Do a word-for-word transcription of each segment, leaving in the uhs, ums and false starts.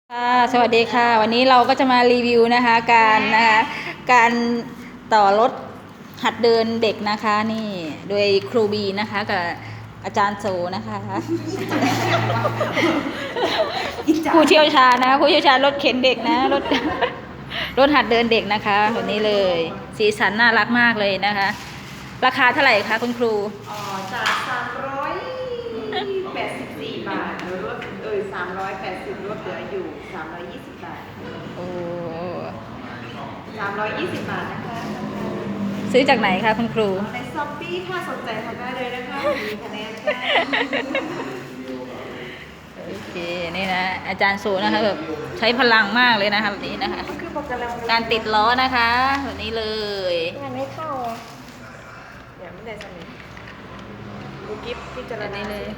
ค่ะสวัสดีค่ะวันนี้เราก็จะมารีวิวนะคะการนะคะการต่อรถหัดเดินเด็กนะคะนี่โดยครูบีนะคะกับอาจารย์โซนะคะผู้เชี่ยวชาญนะคะผู้เชี่ยวชาญรถเข็นเด็กนะรถรถหัดเดินเด็กนะคะแบบนี้เลยสีสันน่ารักมากเลยนะคะ ราคาเท่าไหร่คะคุณครูอ๋อจากสามร้อยแปดสิบสี่บาทหรือลดเอ่ยสามร้อยแปดสิบลดเหลืออยู่สามร้อยยี่สิบบาทโอ้สามร้อยยี่สิบบาทนะคะซื้อจากไหนคะคุณครูในช้อปปี้ถ้าสนใจทำได้เลยนะคะมีคะแนนค่ะโอเคนี่นะอาจารย์โซนะคะแบบใช้พลังมากเลยนะคะแบบนี้นะคะการติดล้อนะคะแบบนี้เลยงานไม่เข้าอ่ะเดี๋ยวไม่ได้สนิทดูกิฟต์พิจารณาเลย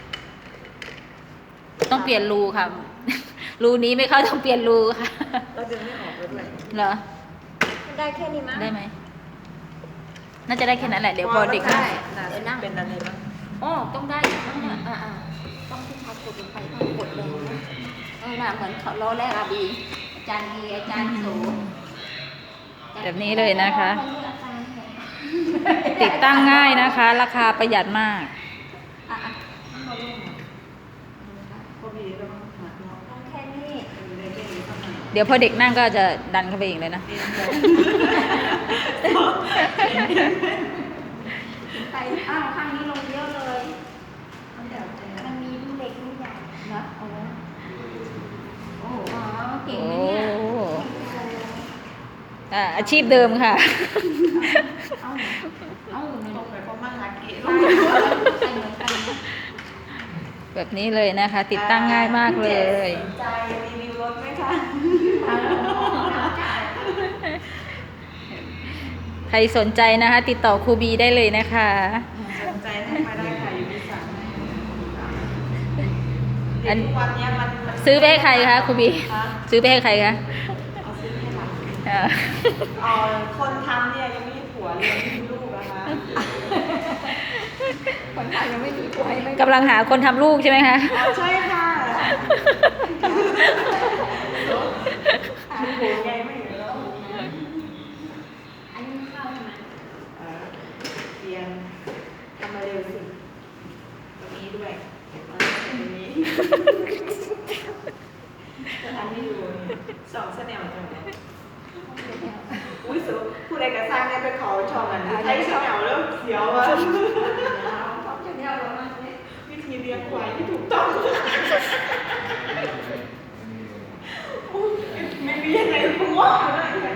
ต้องเปลี่ยนรูค่ะรูนี้ไม่เข้าต้องเปลี่ยนรูค่ะเราดึงไม่ออกเลยเหรอได้แค่นี้มั้ยได้ไหมน่าจะได้แค่นั้นแหละเดี๋ยวพอเด็กได้เดี๋ยวนั่งเป็นอะไรบ้างอ๋อต้องได้ต้องเนี่ยอ่าต้องที่เขากดลงไปต้องกดเลยเออน่ะเหมือนเขาล้อแรกอาบีอาจารย์ดีอาจารย์โสแบบนี้เลยนะคะติดตั้งง่ายนะคะ ราคาประหยัดมากเดี๋ยวพอเด็กนั่งก็จะดันเข้าไปเองเลยนะไปอ้าวข้างนี้ลงเยอะเลยมันมีลูกเล็กลูกใหญ่เนาะโอ้โอ้เก่งนะเนี่ยอ่าอาชีพเดิมค่ะเอาเอาตรงไปเพราะมาหาเก๋แบบนี้เลยนะคะ ติดตั้งง่ายมากเลยใจรีวิวรถไหมคะใครสนใจนะคะ ติดต่อครูบีได้เลยนะคะสนใจให้มาได้ค่ะอยู่ที่สั่งอันวันนี้มันซื้อไปให้ใครคะครูบีซื้อไปให้ใครคะเอาซื้อให้หลานอ๋อคนทำเนี่ยยังไม่มีผัวเลยไม่มีลูกนะคะคนทำยังไม่มีผัวกำลังหาคนทำลูกใช่ไหมคะอ๋อใช่ค่ะมีผัวไงไม่เห็นแล้วอันนี้เข้าใช่ไหมเรียนทำมาเร็วสิตรงนี้ด้วยตรงนี้จะทำให้ดูสองเสน่ห์จังเลยอุ้ยสุดผู้ใดกระซังเนี่ยไปขอชอบกันใช้เสน่ห์เริ่มเสียวอ่ะวิธีเลี้ยงควายที่ถูกต้องไม่มีอะไรพูดว่าเลย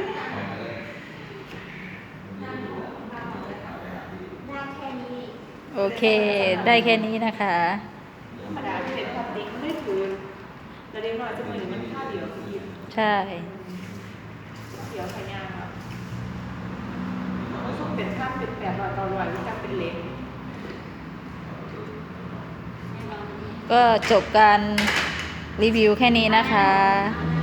โอเคได้แค่นี้นะคะธรรมดาเป็นความติ๊กไม่ถือแต่เด็กน้อยจะมือมันค่าเดียวคือใช่เดียวขยันครับช่วงเป็นข้ามเป็นแปดร้อยต่อร้อยที่จะเป็นเล็กก็จบการรีวิวแค่นี้นะคะ